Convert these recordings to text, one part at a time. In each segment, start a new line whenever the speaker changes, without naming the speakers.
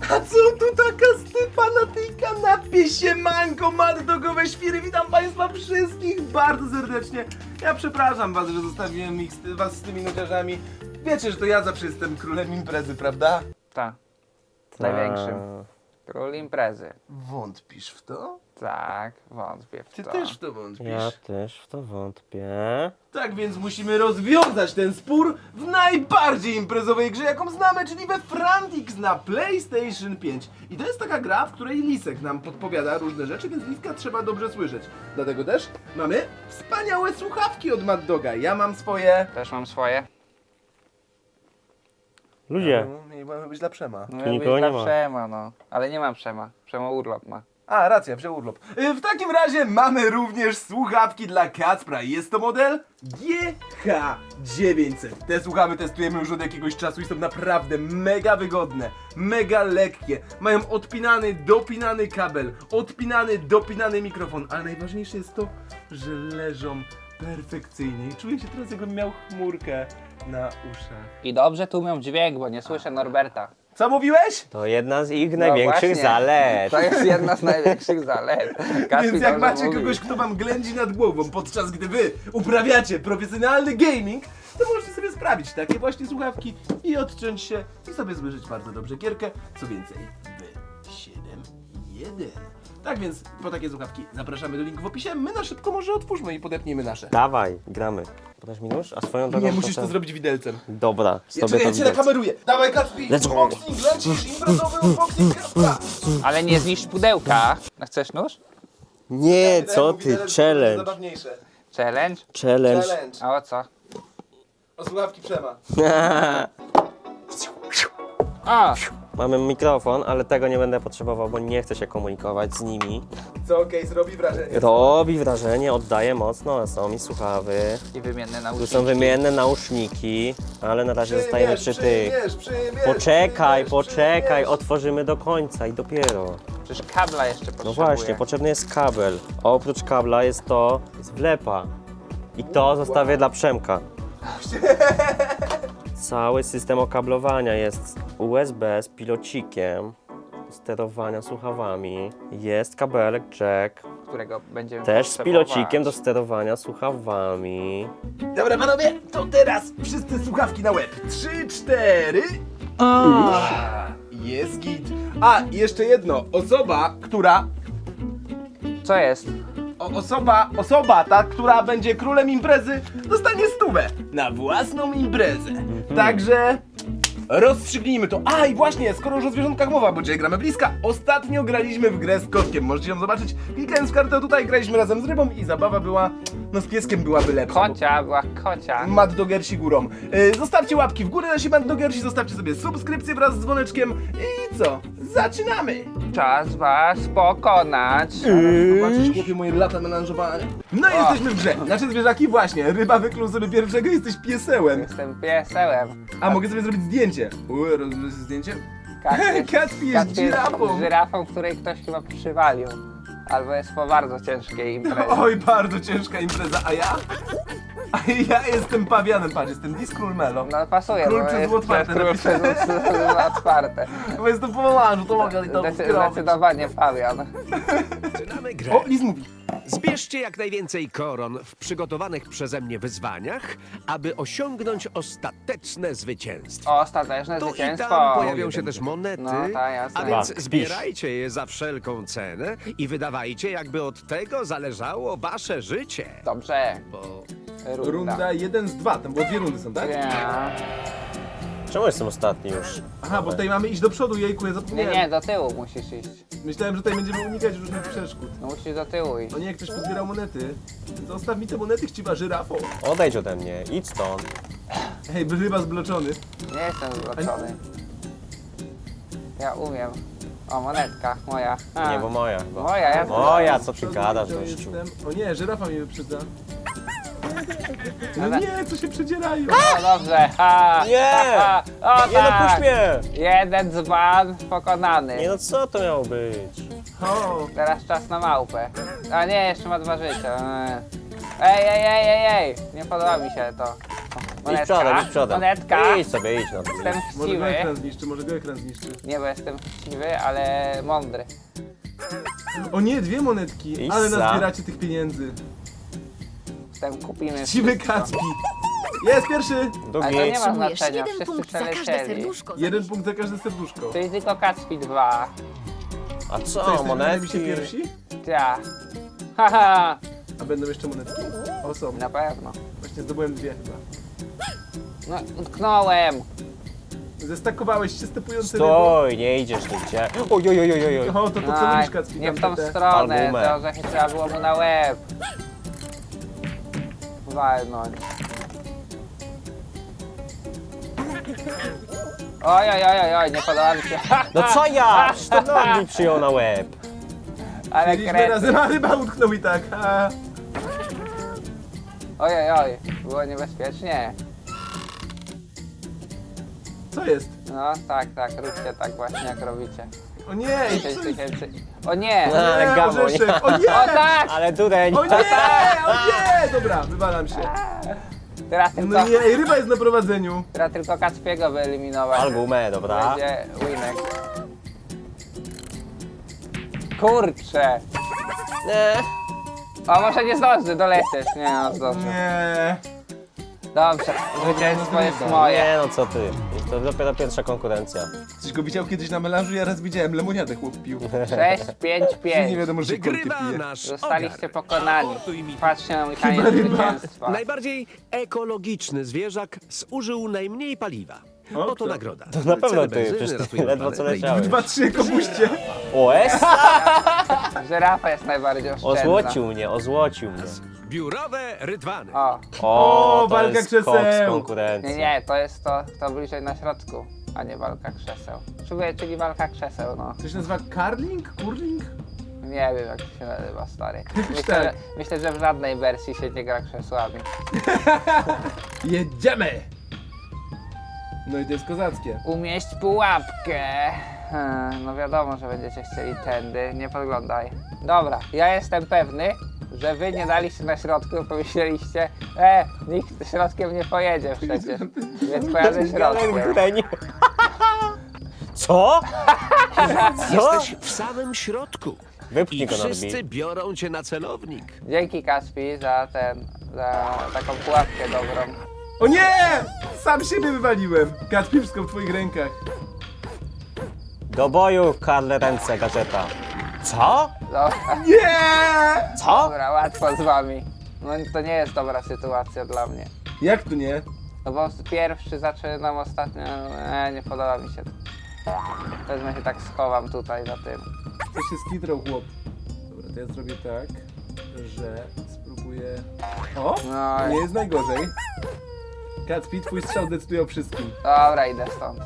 A co tu taka stypa na tej kanapie? Siemanko, maddogowe świry, witam państwa wszystkich bardzo serdecznie. Ja przepraszam was, że zostawiłem was z tymi nudziarzami. Wiecie, że to ja zawsze jestem królem imprezy, prawda?
Tak. Największym. Król imprezy.
Wątpisz w to?
Tak, wątpię w
Ty
to.
też w to wątpisz.
Ja też w to wątpię.
Tak więc musimy rozwiązać ten spór w najbardziej imprezowej grze, jaką znamy, czyli we Frantix na PlayStation 5. I to jest taka gra, w której Lisek nam podpowiada różne rzeczy, więc Liska trzeba dobrze słyszeć. Dlatego też mamy wspaniałe słuchawki od Mad Doga. Ja mam swoje...
Też mam swoje.
Ludzie,
Mamy być dla Przema.
No,
nikogo
dla
nie ma.
Przema, no. Ale nie mam Przema. Przema urlop ma.
A, racja, wziął urlop. W takim razie mamy również słuchawki dla Kacpra. Jest to model GH900. Te słuchawy testujemy już od jakiegoś czasu i są naprawdę mega wygodne, mega lekkie. Mają odpinany, dopinany kabel, odpinany, dopinany mikrofon, ale najważniejsze jest to, że leżą perfekcyjnie. I czuję się teraz, jakbym miał chmurkę na uszach.
I dobrze tłumią dźwięk, bo nie słyszę Norberta.
Co mówiłeś?
to jedna z ich
No
największych
właśnie.
zalet.
To jest jedna z największych zalet. Kaspi
Więc jak
dobrze
macie
mówi.
kogoś, kto wam ględzi nad głową, podczas gdy wy uprawiacie profesjonalny gaming, to możecie sobie sprawić takie właśnie słuchawki i odciąć się i sobie słyszeć bardzo dobrze gierkę. Co więcej, w 7.1. Tak więc po takie słuchawki zapraszamy do linku w opisie. My na szybko może otwórzmy i podepnijmy nasze.
Dawaj, gramy. Podasz mi nóż? A swoją drogą
Nie, musisz to
ten-
zrobić widelcem.
Dobra,
Ja,
sobie
czekaj,
to
ja cię
widać.
nakameruję. Dawaj Kacpi,
Let's go.
unboxing, lecisz, imprezowy unboxing Kacpra.
Ale nie zniszcz pudełka. A chcesz nóż?
Nie,
Wydaje
co
mu
ty,
widelec, to
challenge.
zabawniejsze.
Challenge?
Challenge.
Challenge.
A o co?
O słuchawki Przema.
O!
Mamy mikrofon, ale tego nie będę potrzebował, bo nie chcę się komunikować z nimi.
Co case robi wrażenie.
Robi wrażenie, oddaje mocno, są mi słuchawy.
I wymienne
Tu
nauczyciel.
są wymienne nauszniki, ale na razie zostajemy przy tych.
Przyjmiesz,
Poczekaj, poczekaj,
przyjmiesz.
otworzymy do końca i dopiero.
Przecież kabla jeszcze potrzebuję.
No właśnie, potrzebny jest kabel. Oprócz kabla jest wlepa. I to zostawię dla Przemka. Cały system okablowania jest USB z pilocikiem, sterowania słuchawami. Jest kabelek jack,
Którego będziemy
też z
potrzebować.
pilocikiem do sterowania słuchawami.
Dobra panowie, to teraz wszyscy słuchawki na łeb. 3, 4. Jest git. A, i jeszcze jedno. Osoba, która...
Co jest?
Osoba ta, która będzie królem imprezy, dostanie 100 na własną imprezę. Także rozstrzygnijmy to. A i właśnie, skoro już o zwierzątkach mowa, bo dzisiaj gramy bliska, ostatnio graliśmy w grę z kotkiem. Możecie ją zobaczyć. Klikając w kartę tutaj, graliśmy razem z rybą i zabawa była, no z pieskiem byłaby lepsza. bo
Kocia, była kocia.
Mad Dogersi górą. Zostawcie łapki w górę, nasi Mad Dogersi, zostawcie sobie subskrypcję wraz z dzwoneczkiem i co? Zaczynamy!
Czas was pokonać.
Zobaczysz, chłopie, moje lata melanżowania. No i jesteśmy w grze. Nasze zwierzaki właśnie. Ryba wykluł sobie pierwszego, jesteś piesełem.
Jestem piesełem.
A mogę sobie zrobić zdjęcie. Rozumiem zdjęcie?
Kacpi
Kacpi jest żyrafą.
żyrafą, której ktoś chyba przywalił. Albo jest po bardzo ciężkiej imprezie.
Oj, bardzo ciężka impreza. A ja? A ja jestem pawianem, patrz, jestem Discrul Melo.
No pasuje,
Król
bo
przez
jest
otwarte
król przez otwarte.
Bo jestem po melanżu, to mogę i to skrobić.
Zdecydowanie pawian.
Zaczynamy grę.
O, Liz mówi.
Zbierzcie jak najwięcej koron w przygotowanych przeze mnie wyzwaniach, aby osiągnąć ostateczne zwycięstwo.
O, ostateczne
Tu i
zwycięstwo.
tam pojawią się też monety,
No, tak, jasne.
a więc
Tak,
zbierajcie je za wszelką cenę i wydawajcie, jakby od tego zależało wasze życie.
Dobrze.
Bo
Runda 1 z 2, tam było 2 rundy są, tak?
Ja.
Czemu jestem ostatni już?
Aha, bo tutaj mamy iść do przodu, jejku, ja
Nie,
zapomniałem.
nie, do tyłu musisz iść.
Myślałem, że tutaj będziemy unikać różnych przeszkód.
No musisz do tyłu iść.
O nie, ktoś pozbierał monety. Zostaw mi te monety, chciwa żyrafo.
Odejdź ode mnie, idź stąd.
Hej, ryba zbloczony.
Nie jestem zbloczony. Ja umiem. O, monetka moja. A.
Nie, bo moja chyba.
Moja, ja
Moja, co ty
Przodu
gadasz,
widział
gościu?
jestem. O nie, żyrafa mnie wyprzedza. No
Ale-
nie, co się przedzierają?
O, dobrze. Ha,
Nie!
ha, ha. O,
Nie no,
tak.
puść mnie!
Jeden dzban pokonany.
Nie no, co to miało być?
O,
Teraz czas na małpę. A nie, jeszcze ma 2 życia. Ej, ej, ej, ej, ej. Nie podoba mi się to.
Idź przodem, idź przodem.
Monetka.
Idź sobie, idź no.
Jestem
Może go
chciwy.
ekran zniszczy, może go ekran zniszczy.
Nie, bo jestem chciwy, ale mądry.
O nie, 2 monetki, ale
Isa.
nazbieracie tych pieniędzy.
Kupimy
Siwy
wszystko.
Kacpi. Jest pierwszy!
Ale to
Drugi.
nie ma
Otrzymujesz
znaczenia,
1
wszyscy
punkt za każde
przelecieli.
serduszko.
1 punkt za każde serduszko.
Czyli tylko Kacpi 2.
A
Co,
co,
jesteśmy
monetki?
się pierwsi?
Ja. Haha.
A będą jeszcze monetki? O, są.
Na pewno.
Właśnie zdobyłem 2 chyba.
No, utknąłem.
Zestakowałeś się stepujący rybą.
Stój, nie idziesz nigdzie. Oj, oj, oj, oj, oj.
O, to co
Aj,
robisz, Kacpi?
nie w
Tam
tą
te-
stronę,
albumę.
to orzechy trzeba było mu na łeb. Walnąć. Oj, oj, oj, oj, oj, nie podoba mi się.
No co ja? Przecież to nogi przyjął na łeb.
Ale
Mieliśmy
kret.
razem, a ryba utknął i tak. A.
Oj, oj, oj, było niebezpiecznie.
Co jest?
No, tak, tak, róbcie tak właśnie jak robicie.
O nie!
10 tysięcy. O nie!
No. Ale
Nie,
gamoń.
orzeszek! O nie!
O tak!
Ale dureń.
O nie! O nie! Dobra, wywalam się.
Teraz tylko,
No nie, ej, ryba jest na prowadzeniu.
teraz tylko Kacpiego wyeliminować.
Albumę, dobra.
Będzie winek. Kurczę!
Nie.
O, może nie zdąży dolecieć. Nie, no zdąży.
Nie.
Dobrze, zwycięstwo jest moje.
Nie no co ty. To dopiero pierwsza konkurencja.
Coś go widział kiedyś na melanżu, ja raz widziałem, lemoniadę chłop pił.
6, 5,
Nie
5.
wiadomo, że kolkę
Wygrywa
pije.
nasz
Zostaliście
ogar.
pokonani.
Aportuj mi.
Patrzcie na mój
Chyba
taniec
ryba.
zwycięstwa.
Najbardziej ekologiczny zwierzak zużył najmniej paliwa.
O,
Oto
kto?
nagroda.
To na pewno
Ceny
ty,
benzyny
przecież ty
ratują
ledwo co
planetę i
leciałeś.
2, 3, komuście.
OS?
Żyrafa jest najbardziej oszczędna.
Ozłocił mnie.
Biurowe rydwany.
O,
O,
to
walka
jest
krzeseł.
koks
nie,
konkurencji.
nie, to jest to bliżej na środku, a nie walka krzeseł. Czyli walka krzeseł, no.
To się nazywa curling? Curling?
Nie wiem jak to się nazywa, stary.
tak.
Myślę, że w żadnej wersji się nie gra krzesłami.
Jedziemy! No i to jest kozackie.
Umieść pułapkę. No wiadomo, że będziecie chcieli tędy, nie podglądaj. Dobra, ja jestem pewny, że wy nie daliście na środku, pomyśleliście, nikt środkiem nie pojedzie przecież, więc pojadę środkiem.
Dureń. Co? Co?
Jesteś w samym środku.
Wypchnij
I
go,
wszyscy
Norbi.
biorą cię na celownik.
Dzięki Kaspi za taką pułapkę dobrą.
O nie! Sam siebie wywaliłem. Kacpi, wszystko w twoich rękach.
Do boju, Karle ręce, gadżeta. Co?
Dobra,
Nie!
Co?
dobra, łatwo z wami. No to nie jest dobra sytuacja dla mnie.
Jak to nie?
No bo pierwszy zaczynam, ostatnio, nie podoba mi się to. Wezmę się tak schowam tutaj za tym.
To się skitrał chłop. Dobra, to ja zrobię tak, że spróbuję... O!
No
Nie
i
jest najgorzej. Kacpi, twój strzał decyduje o wszystkim.
dobra, idę stąd.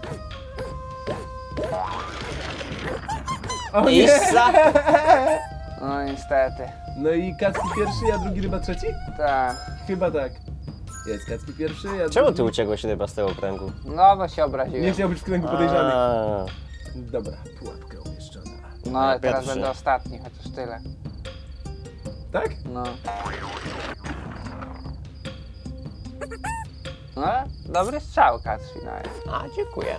O nie!
Issa?
No niestety.
No i Kacpi pierwszy, ja drugi, ryba trzeci?
Tak.
Chyba tak. Jest Kacpi pierwszy, ja
Czemu ty
drugi.
uciekłeś ryba z tego kręgu?
No bo się
Nie
obraziłem.
chciał być w kręgu podejrzanych.
A,
Dobra, pułapka umieszczona.
No ale teraz
Pierwszy.
będę ostatni, chociaż tyle.
Tak?
No. No, dobry strzał Kacpi nawet.
A, dziękuję.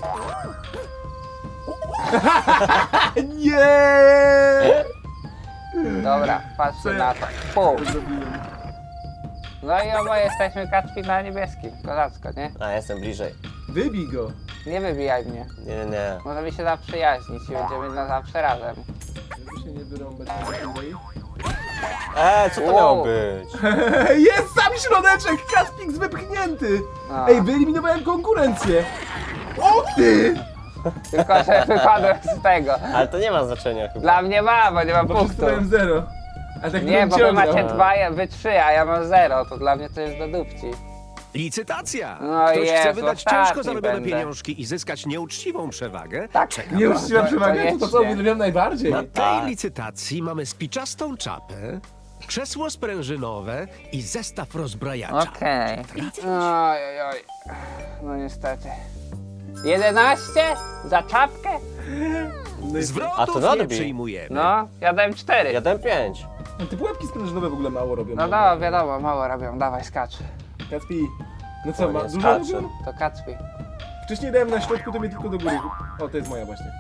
Nie!
Dobra, patrzcie
Co ja-
na to. Pół.
Zrobiłem.
No i oboje jesteśmy Kacpi na niebieskim. Kozacko, nie?
A, jestem bliżej.
Wybij go.
Nie wybijaj mnie.
Nie.
Możemy się zaprzyjaźnić i będziemy na zawsze razem.
Żeby się nie wyrąbać na tej.
Co to miało być?
Jest sam środeczek! Kaspix wypchnięty!
No.
Ej, wyeliminowałem konkurencję! O ty!
Tylko, że wypadłem z tego.
Ale to nie ma znaczenia chyba.
Dla mnie ma, bo nie mam
Bo
punktu.
przeczytałem 0. A tak
Nie,
bym
bo wy
ciągnął.
macie 2, wy 3, a ja mam 0. To dla mnie to jest do dupci.
Licytacja!
No
Ktoś chce
Jezu,
wydać
ostatni
ciężko zarobione
będę.
pieniążki i zyskać nieuczciwą przewagę?
Tak.
Czeka
Nieuczciwa przewaga? To co
koniecznie.
uwielbiam najbardziej.
Na tej
Tak.
licytacji mamy spiczastą czapę, krzesło sprężynowe i zestaw rozbrajacza.
Okej. Oj, oj, oj. No niestety. 11? Za czapkę?
No i
Zwrotów
A to
nie
Norbi.
przyjmujemy.
No, ja dałem 4.
Ja dam 5.
te pułapki sprężynowe w ogóle mało robią.
No wiadomo, mało robią. Dawaj, skacz.
Kacpi, No co, ma
nie
dużo
skacze.
robią?
To Kacpi.
Wcześniej dałem na środku, to mnie tylko do góry. O, to jest moja właśnie.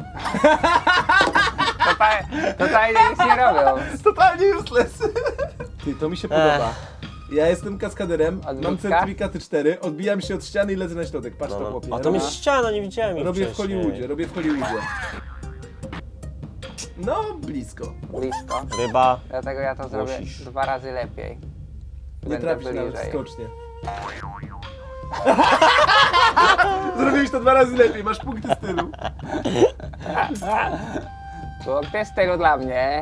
Totalnie nic nie robią.
Totalnie useless. Ty, to mi się podoba. Ja jestem kaskaderem, mam
Odbitka?
certyfikaty 4, odbijam się od ściany i lecę na środek. Patrz to, chłopie.
A to jest ściana, nie widziałem ich
Robię w
wcześniej.
Hollywoodzie, robię w Hollywoodzie. No, blisko.
Blisko.
Ryba.
Dlatego ja to zrobię
Musisz.
2 razy lepiej.
Nie
Będę
trafisz nawet
bliżej.
skocznie. Zrobiłeś to 2 razy lepiej, masz punkty stylu.
Punkty stylu dla mnie.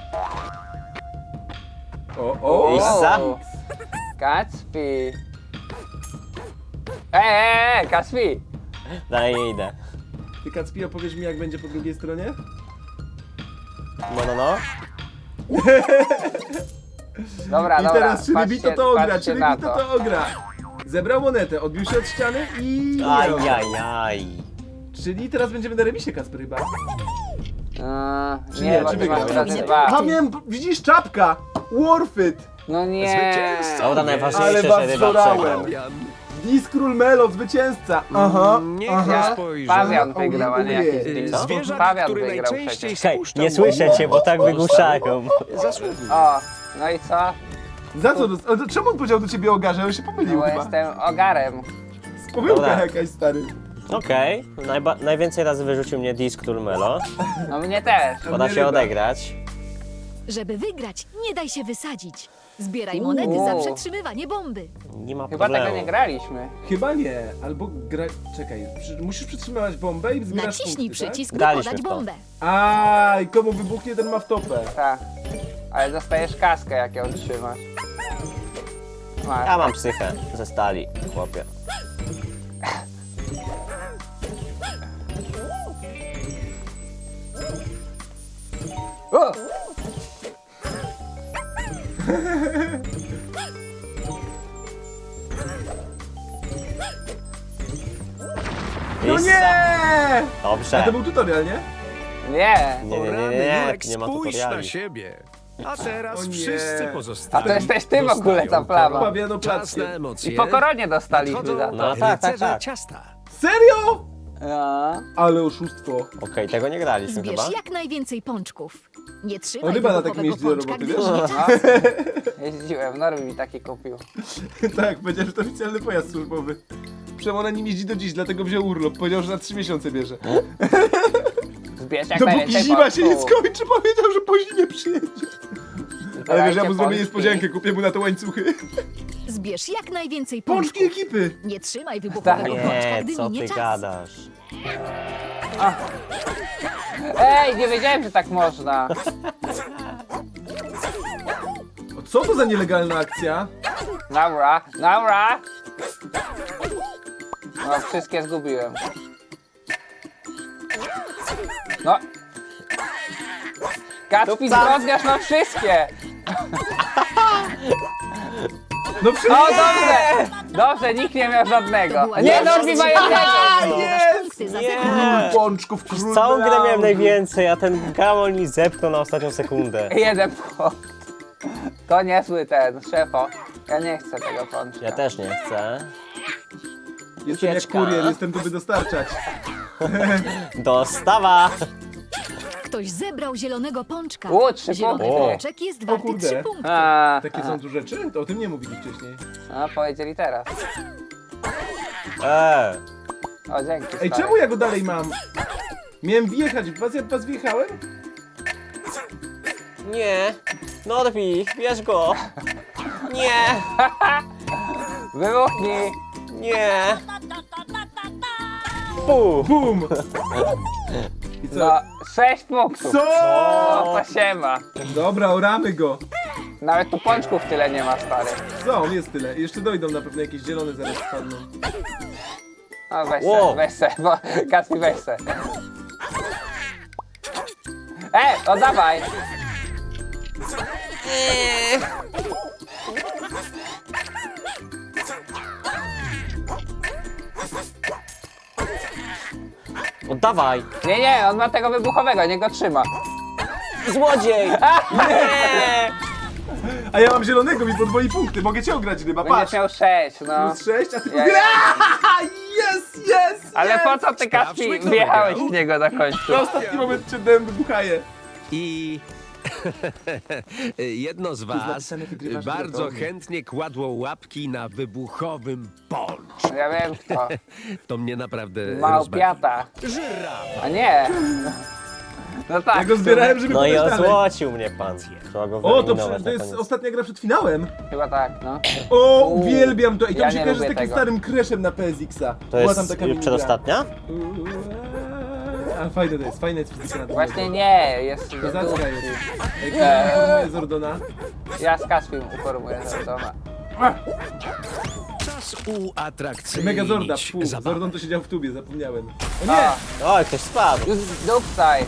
O.
Isa?
Kacpi. Kacpi.
Dalej nie idę.
Ty, Kacpi, opowiesz mi, jak będzie po drugiej stronie?
No.
Dobra,
I
dobra.
teraz, czy Rybito to ogra,
patrzcie
czy
na
Rybito to ogra. Zebrał monetę, odbił się od ściany i...
Ajajaj.
Czyli teraz będziemy na remisie, Kacper, chyba. Czy
Nie,
nie,
bo
czy
ty masz
wygrał?
razy 2.
A miałem, widzisz, czapka! Worth it!
No nie.
Zwycięzca.
Dobra,
Ale
najważniejsze,
was
że ryba
zorałem.
przegrał.
Fabian.
Diskról Melo, zwycięzca! Aha,
Niech
aha.
ja spojrzę.
Pawian wygrał, a nie jakiś
Ojej.
Disk.
Zwierzak,
Pawian
który
wygrał
najczęściej
przecież.
Hej,
spuszczał
nie słyszę cię, bo tak wygłuszają.
zasługuje.
O, no i co?
Za co? Ale to czemu on powiedział do ciebie o garze? On się
No
pomylił
bo
chyba.
jestem ogarem.
Pomyłka
Dobra.
jakaś, stary.
Okej, najwięcej razy wyrzucił mnie Disk Melo.
No mnie też.
Poda
mnie
się
ryba.
odegrać.
Żeby wygrać, nie daj się wysadzić. Zbieraj monety za przetrzymywanie bomby.
Nie ma
Chyba
problemu.
tego nie graliśmy.
Chyba nie, albo gra... Czekaj, musisz przytrzymywać bombę i zbierasz
Naciśnij
punkty,
przycisk, by
Graliśmy
podać
w to.
bombę.
Tak? A, i komu wybuchnie, ten ma w topę.
Tak. Ale dostajesz kaskę, jak ją trzymasz. Masz.
Ja mam psychę ze stali, chłopie.
O!
No
Issa.
nie!
Dobrze.
A to był tutorial, nie?
Nie.
Jurek,
nie ma
spójrz na
tutoriali.
siebie. A teraz
O nie.
wszyscy
A
pozostali
to jesteś ty w ogóle, ta plama.
Pawiano
Czas
plackiem.
na emocje.
I po koronie dostaliśmy za
Nadchodzą
to.
No tak,
rycerze
tak.
ciasta.
Serio?
No.
Ale oszustwo.
Okej, tego nie graliśmy
Zbierz
chyba.
jak najwięcej pączków. Nie
O,
trzymaj
ryba na takim
wybuchowego
jeździ do
pączka,
roboty,
gdy
wiesz?
minie czas.
Jeździłem, Norby mi taki kupił.
Tak, powiedział, że to oficjalny pojazd służbowy. Przemo na nim jeździ do dziś, dlatego wziął urlop. Powiedział, że na 3 miesiące bierze.
Zbierz jak
Dopóki
najwięcej
zima się nie
pączków.
skończy, powiedział, że po zimie przyjedzie. Ale wiesz, ja mu zrobię
pączki.
niespodziankę, kupię mu na te łańcuchy.
Zbierz jak najwięcej
Pączki
pączków.
ekipy!
Nie trzymaj wybuchowego
Tak.
pączka,
Nie,
gdy
co
minie
ty
czas.
gadasz?
Ej, nie wiedziałem, że tak można.
O, co to za nielegalna akcja?
Dobra, dobra. No, wszystkie zgubiłem. No. Kacpi, zgodniasz na wszystkie.
No
O,
przecież...
dobrze. Dobrze, nikt nie miał
To
żadnego.
była
Nie,
najlepsza
Norbi ma
strzała.
jednego.
Zdobywasz punkty za
Nie.
sekundę.
Pączków, król
Całą grę miałem
melanżu.
najwięcej, a ten gamon mi zepchnął na ostatnią sekundę.
Jeden punkt. To niezły ten, szefo. Ja nie chcę tego pączka.
Ja też nie chcę.
Jestem jak
Ucieczka.
kurier, jestem tu by dostarczać.
Dostawa!
Ktoś zebrał zielonego pączka.
3
Zielony
punkty.
pączek jest warty
kurde.
3 punkty.
Takie są tu rzeczy? To o tym nie mówili wcześniej.
A, powiedzieli teraz. O, dzięki.
Ej,
stary.
czemu ja go dalej mam? Miałem wjechać w was, ja w was wjechałem?
Nie! Norbi, bierz go! Nie!
Wybuchnij!
Nie! Pu!
Bum! I co?
No, 6 punktów.
Co?
No, to siema.
Dobra, oramy go.
Nawet tu pączków tyle nie ma, stary.
Co? Jest tyle. Jeszcze dojdą na pewno jakieś zielone zaraz spadną.
No weź
Wow.
se, bo Kacpi weź se. Oddawaj!
Oddawaj!
Nie, on ma tego wybuchowego, niech go trzyma.
Złodziej! Nie!
A ja mam zielonego, mi podwoi punkty, mogę cię ograć, ryba,
Będziesz
patrz.
miał 6, no.
Plus 6, a ty
Ja-
Jest!
Ale po co ty,
Sprawdźmy,
Kacpi,
kto
wjechałeś
wygrał.
w niego na końcu?
Na ostatni moment cię dałem, wybuchaję.
I jedno z was
napisane, wygrywasz
bardzo
gotowy.
chętnie kładło łapki na wybuchowym ponczu.
Ja wiem kto.
To mnie naprawdę
Małpiata.
rozbawi. Żyrafa.
A nie. No tak.
Ja go zbierałem, żeby
No i
pójść dalej.
ozłocił mnie pan. Trzeba go
O, to,
wyeliminować
to
na
jest
koniec.
ostatnia gra przed finałem.
Chyba tak, no.
O, uwielbiam to. I to
ja
mi się
nie
kojarzy z
lubię
takim
tego.
starym crashem na PSX-a.
To
Była
jest
tam taka
już
minigra.
przedostatnia?
A fajne to jest, fajne jest fizyka na tym.
Właśnie nie, jest
Kozacka jest. Jak informuje Zordona.
Ja z Kacpim uformuję Zordona.
Czas uatrakcyjnić
Megazorda,
zabawę.
Zordon to siedział w tubie, zapomniałem. O nie!
Oj, ktoś spadł.
Już dupcaj.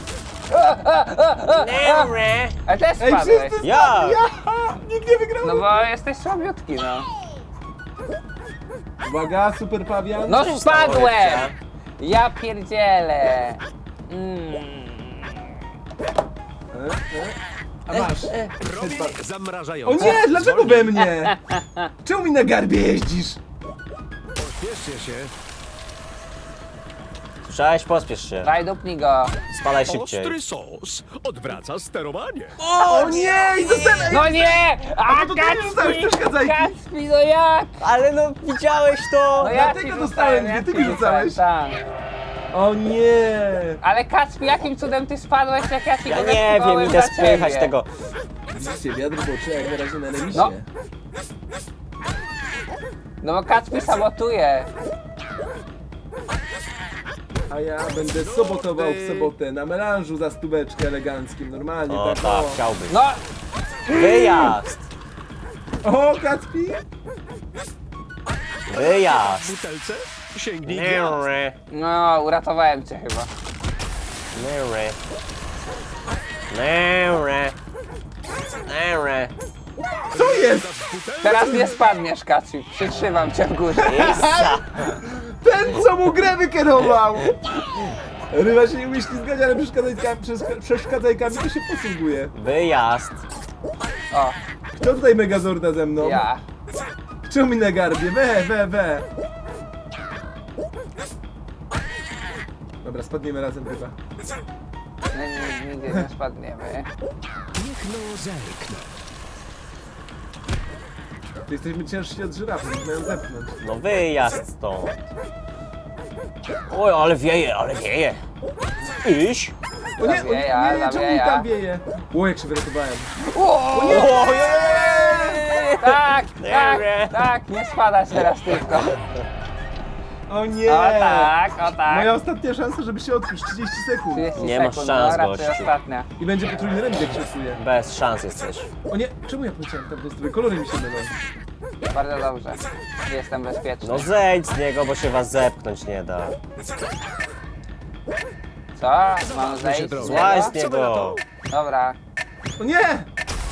A też
Ej,
spadłeś.
wszyscy
Ja!
Nikt nie wygrał!
No bo jesteś słabiutki, no.
Uwaga, super pawian.
No
się stało,
spadłem!
Lepcia?
Ja pierdzielę.
A masz.
Robię
O
zamrażające.
nie, dlaczego we mnie? Czemu mi na garbie jeździsz?
Pośpieszcie się.
Słyszałeś? Pospiesz się.
Daj dupnij go.
Spadaj szybciej.
Ostry sos odwraca sterowanie.
O nie! I dostałem!
No nie! A
to ty mi rzucałeś te przeszkadzajki.
Kacpi, no jak?
Ale no widziałeś to!
No ja
dlatego
ci
dostałem
rzucałem, ja
dwie, ty
ci
mi rzucałeś.
rzucałem, tak.
O nie!
Ale Kacpi, jakim cudem ty spadłeś, jak ja ci
Ja
go
nie wiem,
wepchnąłem
idę
za
spychać
ciebie?
tego.
Widzicie, wiatr boczy jak na razie na remisie.
No. No bo Kacpi sabotuje.
A ja będę sobotował w sobotę na melanżu za stóweczkę eleganckim, normalnie
O
tak.
tak, chciałbyś.
No,
Wyjazd!
O, Kacpi!
Wyjazd!
W butelce sięgnij gwiazd.
Nyry,
no, uratowałem cię chyba.
nyry. Nyry. Nyry.
Co jest?
Teraz nie spadniesz, Kacpi. Przytrzymam cię w górze.
Issa!
Ten, co mu grę wykierował! Ryba się nie umie ślizgać, ale przeszkadzajkami to się posługuje.
Wyjazd!
O,
Kto tutaj Megazorda ze mną?
ja.
Czemu mi na garbie? We. Dobra, spadniemy razem chyba.
No, nigdzie nie spadniemy.
Niech no zerknę.
To jesteśmy ciężsi od żyrafy, można ją zepchnąć.
No wyjazd stąd! Oj, ale wieje! Iś!
O nie,
Zawieja,
czemu mi
zawieja.
tam wieje? O, jak się wyratowałem.
Tak,
Nie.
tak, nie spadać teraz tylko.
O nie!
O tak, o tak.
Moja ostatnia szansa, żeby się odkuć, 30 sekund.
30
Nie masz
sekund,
szans,
no, raczej
gościu.
ostatnia.
I będzie potrójny remis, jak się osuje.
Bez szans jesteś.
O nie, czemu ja poleciałem tam do strony? Kolory mi się mylą.
Bardzo dobrze. Jestem bezpieczny.
No zejdź z niego, bo się was zepchnąć nie da.
Co? Mam zejść z
drogą.
Złaź z
niego?
Co wy na
niego!
to?
Dobra.
O nie!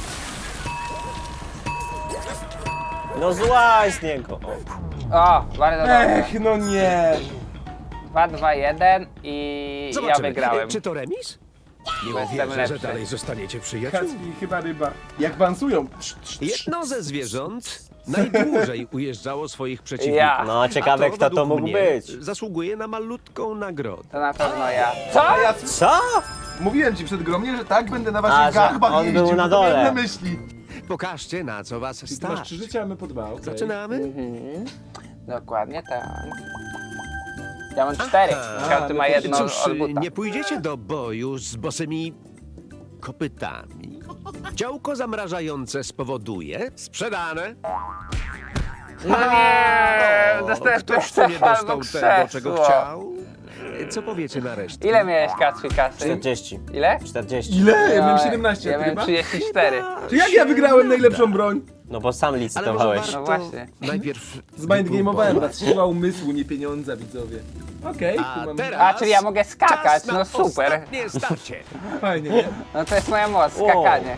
No złaź z niego!
O, bardzo dobrze.
Ech, no nie!
2, 2, 1 i ja
Zobaczymy.
wygrałem.
Czy to remis? Nie
Bo jestem
uwierzę, że
lepszy.
dalej zostaniecie przyjaciółmi.
Kacpi, chyba ryba. Jak bansują.
Jedno ze zwierząt najdłużej ujeżdżało swoich przeciwników.
Ja.
No
A
ciekawe kto to
według
mógł
mnie
być.
Zasługuje na malutką nagrodę.
To na pewno ja. Co?
A ja
Co?
mówiłem ci przed gromnie, że tak będę na waszych
A, że
garbach
on
jeździł,
był na
bo to miałem
dole.
na myśli.
Pokażcie, na co was
Ty masz
stać.
3 życia, a my po 2, okej.
Zaczynamy?
Dokładnie tak. Ja mam 4. Każdy ma
no to
jedno
Cóż,
od buta.
nie pójdziecie do boju z bosymi kopytami. Działko zamrażające spowoduje sprzedane.
No nie!
O,
Dostałem
ktoś tu nie
albo
dostał tego, czego
krzesło.
chciał. Co powiecie na resztę?
Ile miałeś Kacpi kasy?
40.
Ile?
40.
Ile? Ja miałem
No,
17,
Ja
a ty
miałem
chyba?
34.
To jak ja wygrałem najlepszą broń?
No bo sam
Ale może
licytowałeś.
warto
No właśnie.
najpierw
Zmindgame'owałem was, siła umysłu, nie pieniądza, widzowie. Okej,
A
tu mam...
teraz
A, czyli ja mogę skakać,
czas na
no super.
ostatnie starcie.
Fajnie, nie?
No to jest moja moc, skakanie.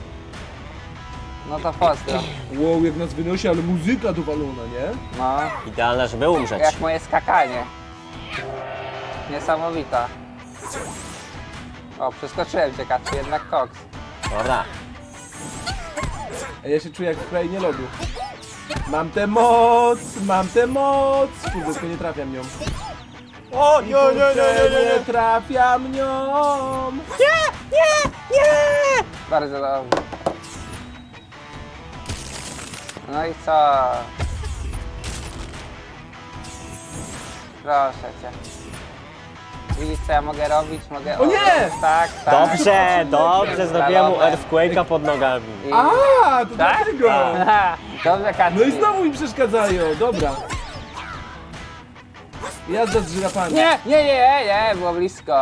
No to pozdro.
Wow, jak nas wynosi, ale muzyka dowalona, nie?
No,
Idealna, żeby umrzeć.
jak moje skakanie. Niesamowita. O, przeskoczyłem cię, Kacpi, jednak koks.
Dobra.
A ja się czuję jak w krainie lodu. Mam tę moc, mam tę moc. Kurde, tylko nie trafiam nią.
O,
I kurczę, nie trafiam nią.
Bardzo dobrze. No i co? Proszę cię. Widzisz co ja mogę robić? Mogę...
O nie!
Tak, tak.
Dobrze, dobrze, zrobiłem mu
Balony.
earthquake'a pod nogami.
I...
A, to
Tak?
dlatego.
Aha, dobrze, Kacpi.
No i znowu mi przeszkadzają, dobra. Jazda z żyrafami.
Nie, było blisko.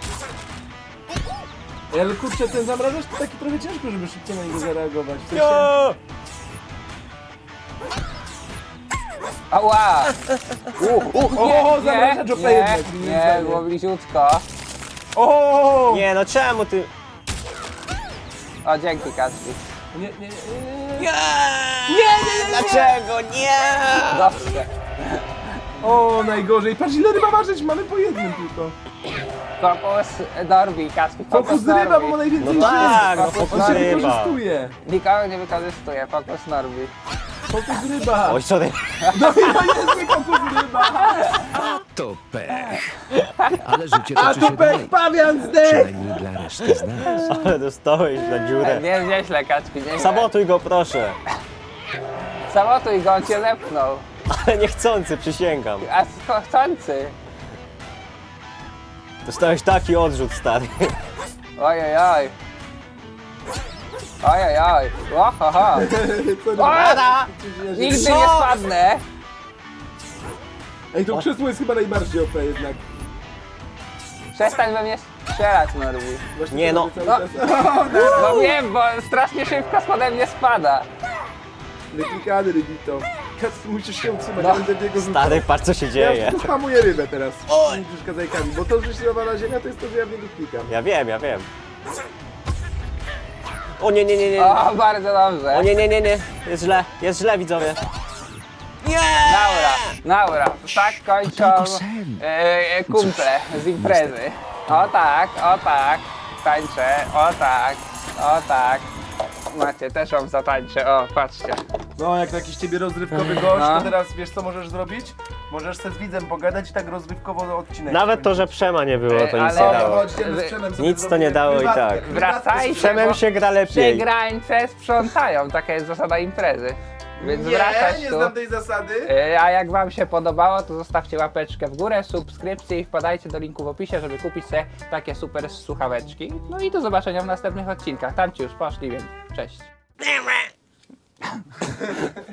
Ale kurczę, ten zamrażacz to taki trochę ciężko, żeby szybko na niego zareagować. W sensie...
Jo!
Ała!
O, zamrażacz OP jednak, moim
nie,
zdaniem.
było bliziutko.
O!
Nie, no czemu ty...
O, dzięki, Kacpi.
Nie.
Dlaczego? Nie!
Dobrze.
O, najgorzej. Patrz ile ryba ważyć, mamy po jednym tylko.
Fokus Norbi, Kacpi, fokus
Fokus ryba, bo ma
Norbi.
najwięcej
No tak, no
żyć.
fokus
On się
ryba.
wykorzystuje.
Nikogo nie wykorzystuje, fokus Norbi.
Fokus ryba.
Oj, sorry.
No i to jest fokus ryba.
To pech. Ale życie
A
toczy
to
się dalej.
pech pawian zdech.
Przynajmniej dla reszty z nas.
Ale dostałeś na dziurę.
Nie, nieźle, Kacpi, nieźle.
Sabotuj go, proszę.
Sabotuj go, on cię zepchnął.
Ale niechcący, przysięgam.
A chcący.
Dostałeś taki odrzut, stary.
Ojojoj. Ojojoj. Ohoho.
Co
Ora! Nigdy nie spadnę.
Ej, to krzesło jest chyba najbardziej OP jednak.
Przestań we mnie strzelać, Norbi.
Właśnie
Nie,
to
no.
robię cały czas.
No wiem, bo strasznie szybko spode mnie spada.
Wyklikany rybito. Kacpi, musisz się utrzymać,
No.
ja będę w niego rzucał.
Stary, patrz co się
Ja
dzieje.
już spamuję rybę teraz. Nie przeszkadzajkami, bo to, że środowana ziemia, to jest to, że ja w niego klikam.
Ja wiem, ja wiem. O nie, nie, nie, nie.
O, bardzo dobrze.
O nie, nie, nie, nie. Jest źle, widzowie.
Naura. Tak kończą
tylko sen.
kumple z imprezy. O tak, tańczę, o tak. Macie, też wam zatańczę, o, patrzcie.
No, jak jakiś ciebie rozrywkowy gość,
No.
to teraz wiesz co możesz zrobić? Możesz se z widzem pogadać i tak rozrywkowo odcinek.
Nawet to, że Przema nie było, to nic
Ale-
nie
O,
dało.
chodźcie, z Przemem sobie
Nic to
zrobimy
nie dało i
prywatkę,
tak.
prywatkę
Wracajcie,
z
Przemem się gra lepiej.
Przegrańce sprzątają, taka jest zasada imprezy. Więc
Nie,
wracać
nie
tu.
znam tej zasady.
A jak wam się podobało, to zostawcie łapeczkę w górę, subskrypcję i wpadajcie do linku w opisie, żeby kupić sobie takie super słuchaweczki. No i do zobaczenia w następnych odcinkach. Tam ci już poszli, więc cześć.